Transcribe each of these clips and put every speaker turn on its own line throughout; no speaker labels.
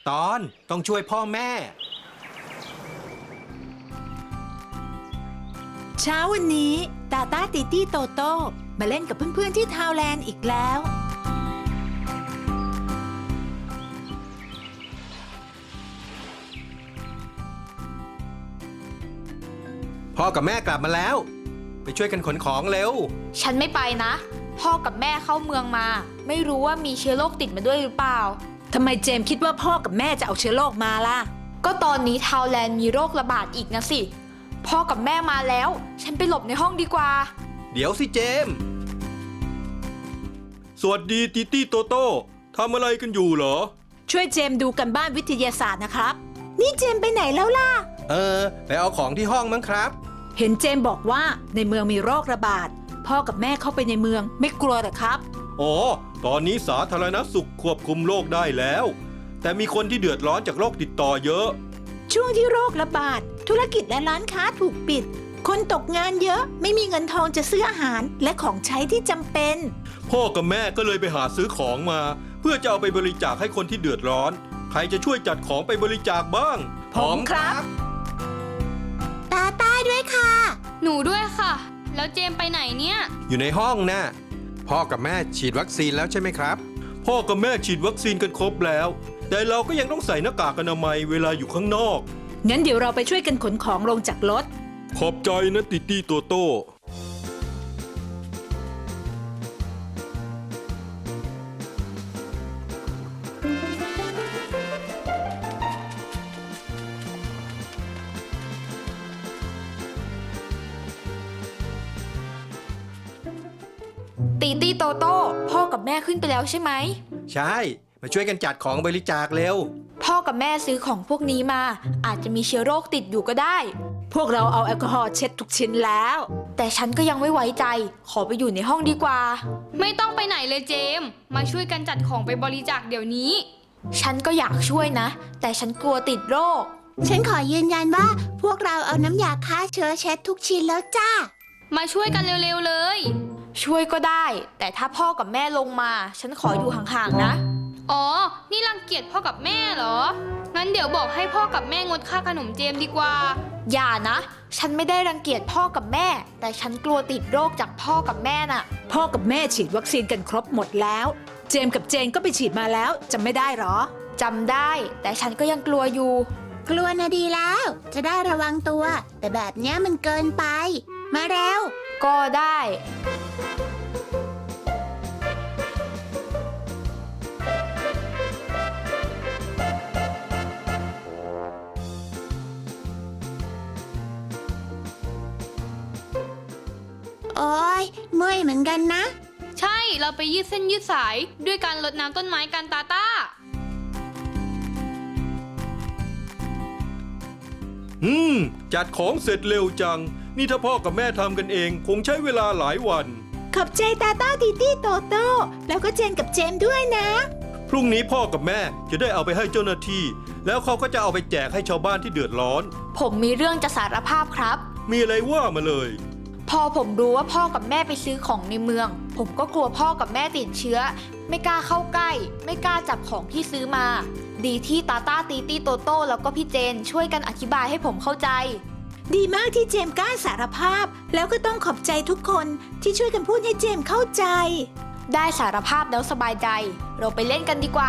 ตอนต้องช่วยพ่อแม่
เช้าวันนี้ตาต้าติตี้โตโต้มาเล่นกับเพื่อนๆที่ทาวแลนด์อีกแล้ว
พ่อกับแม่กลับมาแล้ว ไปช่วยกันขนของเร็ว
ฉันไม่ไปนะ พ่อกับแม่เข้าเมืองมา ไม่รู้ว่ามีเชื้อโรคติดมาด้วยหรือเปล่า
ทำไมเจมส์คิดว่าพ่อกับแม่จะเอาเชื้อโรคมาล่ะ
ก็ตอนนี้ทาวแลนด์มีโรคระบาดอีกนะสิ พ่อกับแม่มาแล้ว ฉันไปหลบในห้องดีกว่า
เดี๋ยวสิเจมส์สวัสดีติตี้โตโต้ทำอะไรกันอยู่เหรอ
ช่วยเจมส์ดูกันบ้านวิทยาศาสตร์นะครับ นี่เจมส์ไปไหนแล้วล่ะ
ไปเอาของที่ห้องมั้งครับ
เห็นเจมส์บอกว่าในเมืองมีโรคระบาด พ่อกับแม่เข้าไปในเมืองไม่กลัวหรอครับ
อ๋อ ตอนนี้สาธารณสุขควบคุมโรคได้แล้ว แต่มีคนที่เดือดร้อนจากโรคติดต่อเยอะ
ช่วงที่โรคระบาด ธุรกิจและร้านค้าถูกปิด คนตกงานเยอะไม่มีเงินทองจะซื้ออาหารและของใช้ที่จำเป็น
พ่อกับแม่ก็เลยไปหาซื้อของมา เพื่อจะเอาไปบริจาคให้คนที่เดือดร้อน ใครจะช่วยจัดของไปบริจาคบ้าง
ผมครับ
ตาต้าด้วยค่ะ
หนูด้วยค่ะ แล้วเจมไปไหนเนี่ย
อยู่ในห้องนะ่ะพ่อกับแม่ฉีดวัคซีนแล้วใช่ไหมครับ พ่อกับแม่ฉีดวัคซีนกันครบแล้ว แต่เราก็ยังต้องใส่หน้ากากอนามัยเวลาอยู่ข้างนอก
งั้นเดี๋ยวเราไปช่วยกันขนของลงจากรถ
ขอบใจนะติตี้โตโต้
ตีตี้โตโต้พ่อกับแม่ขึ้นไปแล้วใช่ไหม
ใช่ มาช่วยกันจัดของบริจาคเร็ว
พ่อกับแม่ซื้อของพวกนี้มา อาจจะมีเชื้อโรคติดอยู่ก็ได้
พวกเราเอาแอลกอฮอล์เช็ดทุกชิ้นแล้ว
แต่ฉันก็ยังไม่ไว้ใจ ขอไปอยู่ในห้องดีกว่า
ไม่ต้องไปไหนเลยเจม มาช่วยกันจัดของไปบริจาคเดี๋ยวนี้
ฉันก็อยากช่วยนะ แต่ฉันกลัวติดโรค
ฉันขอยืนยันว่าพวกเราเอาน้ำยาฆ่าเชื้อเช็ดทุกชิ้นแล้วจ้า
มาช่วยกันเร็วๆเลย
ช่วยก็ได้ แต่ถ้าพ่อกับแม่ลงมา ฉันขออยู่ห่างๆนะ
อ๋อ นี่รังเกียจพ่อกับแม่เหรอ งั้นเดี๋ยวบอกให้พ่อกับแม่งดค่าขนมเจมดีกว่า
อย่านะ ฉันไม่ได้รังเกียจพ่อกับแม่ แต่ฉันกลัวติดโรคจากพ่อกับแม่น่ะ
พ่อกับแม่ฉีดวัคซีนกันครบหมดแล้ว เจมส์กับเจนก็ไปฉีดมาแล้วจำไม่ได้หรอ
จำได้ แต่ฉันก็ยังกลัวอยู่
กลัวนะดีแล้ว จะได้ระวังตัว แต่แบบเนี้ยมันเกินไป มาเร็ว
ก็ได้
โอ้ยเมื่อยเหมือนกันนะ
ใช่ เราไปยืดเส้นยืดสาย ด้วยการรดน้ำต้นไม้กันตาต้า
จัดของเสร็จเร็วจัง นี่ถ้าพ่อกับแม่ทำกันเองคงใช้เวลาหลายวัน
ขอบใจตาต้าติตี้โตโต้แล้วก็เจนกับเจมส์ด้วยนะ
พรุ่งนี้พ่อกับแม่จะได้เอาไปให้เจ้าหน้าที่ แล้วเขาก็จะเอาไปแจกให้ชาวบ้านที่เดือดร้อน
ผมมีเรื่องจะสารภาพครับ
มีอะไรว่ามาเลย
พอผมรู้ว่าพ่อกับแม่ไปซื้อของในเมือง ผมก็กลัวพ่อกับแม่ติดเชื้อ ไม่กล้าเข้าใกล้ ไม่กล้าจับของที่ซื้อมา ดีที่ตาต้าตีตี้โตโต้แล้วก็พี่เจนช่วยกันอธิบายให้ผมเข้าใจ
ดีมากที่เจมส์กล้าสารภาพ แล้วก็ต้องขอบใจทุกคนที่ช่วยกันพูดให้เจมส์เข้าใจ
ได้สารภาพแล้วสบายใจ เราไปเล่นกันดีกว่า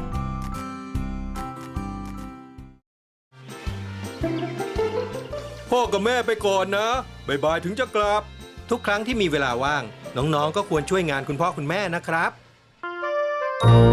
พ่อกับแม่ไปก่อนนะบ๊ายบายถึงจะกลับ ทุกครั้งที่มีเวลาว่าง น้องๆก็ควรช่วยงานคุณพ่อคุณแม่นะครับ